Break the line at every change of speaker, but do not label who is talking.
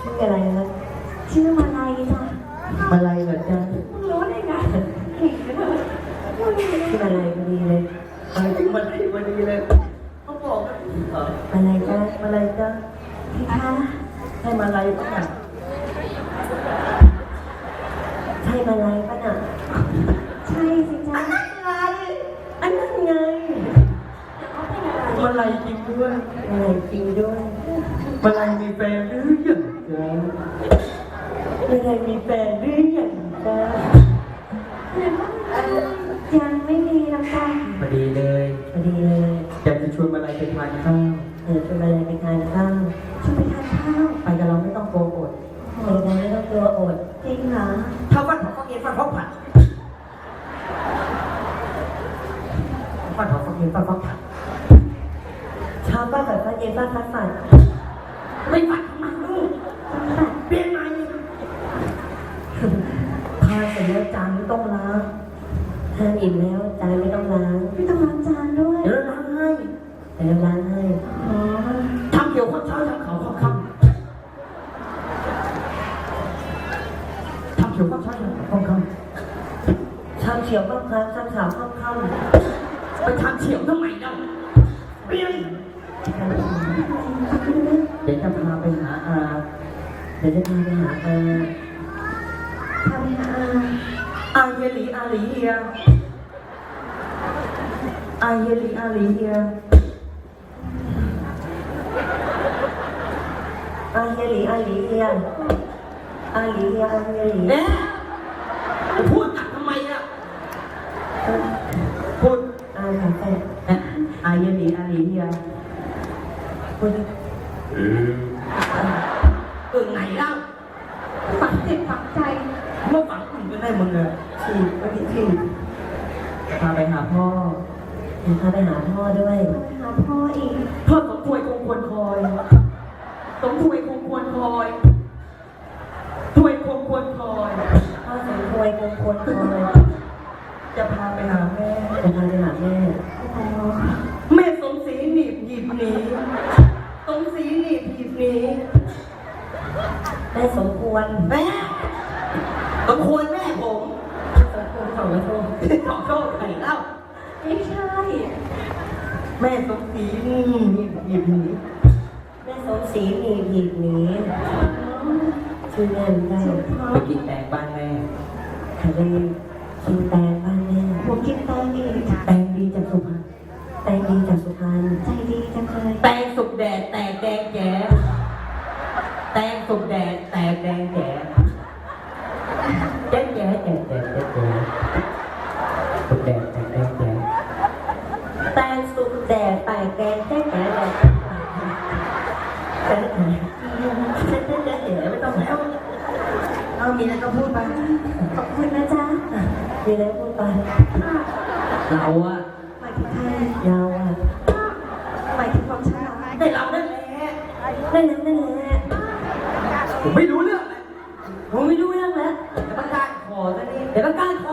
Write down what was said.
ชื่ออะไรนะชื่อมาลัยจ้ะมาลัยเหมือนกันมึงรู้ได้ไงเก่งจังเลยชื่อมาลัยพอดีเลยมาลัยพอดีเลยเขาบอกมาลัยจ้ะมาลัยจ้ะพี่คะให้มาลัยป่ะน่ะใช่มาลัยป่ะน่ะใช่สิจ้ะอันนั้นไงมาลัยจริงด้วยมาลัยจริงด้วยมาลัยมีแฟนหรือยังจ๊ะมาลัยมีแฟนหรือยังจ๊ะยังไม่มีนะคะพอดีเลยอยากจะชวนมาลัยไปทานข้าวชวนมาลัยไปทานข้าวชวนไปทานข้าวไปกับเราไม่ต้องกลัวอดไปกับเราไม่ต้องกลัวอดจริงเหรอถ้าวันของเย็นฟันพกผัดฟันของเย็นฟันพกผัดชาวบ้านแบบว่าเย็นบ้านพัดฝันไม่ฝันทำไมลูกเปลี่ยนใหม่ทานเสร็จแล้วจานไม่ต้องล้างทานอิ่มแล้วจานไม่ต้องล้างจานด้วยเดี๋ยวล้างให้ทำเกี่ยวข้าวเช้าทำเขาข้าวค่ำทำเกี่ยวข้าวเช้าทำเขาค่ำทำเฉียวข้าวค่ำทำขาวข้าวค่ำไปทำเฉียวทำไมเล่าเปลี่ยนเดี๋ยวจะพาไปหาอาพาไปหาอาเยลีอาลีเฮียอาเยลีอาลีเฮียอาเยลีอาลีเฮียอาลีเฮียอาเยลีเนี่ยพูดทำไมอ่ะพูดอาเยลีอาลีเฮียพูดไหนเล่าฝังจิตฝังใจเมื่อฝังคุณก็ได้มึงเลยฉีดก็ที่พาไปหาพ่อด้วยพาไปหาพ่ออีกพ่อสมถวยคงควรคอยถวยคงควรคอยพ่อสมถวยคงควรคอยจะพาไปหาแม่แม่สมศรีหนีบหยิบหนีสมศรีหนีบหยิบหนีแม่สมควรแม่ผมสมควรแม่ผมสมควรขอโทษใครเล่าไม่ใช่แม่สมศรีหนีบหยิบหนีแม่สมศรีหนีบหยิบหนีชื่อแม่ได้ไปกินแตงบ้านแม่ใครได้กินแตงบ้านแม่ผมกินแตงดีจากสุพรรณใจดีจังเลยแตงสุกแดดแตกแดงแจ๋แตงสุกแดดแตกแดงแจ๋แจ๋สุกแดดแตกแดงแจ๋แตงสุกแดดแตกแดงแจ๋ไม่ต้องแล้วเอามีอะไรก็พูดไปขอบคุณนะจ๊ะมีอะไรพูดไปเราอะหมายถึงใครเราอะหมายถึงความฉลาดได้เราได้แหละผมไม่รู้เรื่องแล้วแต่ประกาศขอซะนี่แต่ประกาศข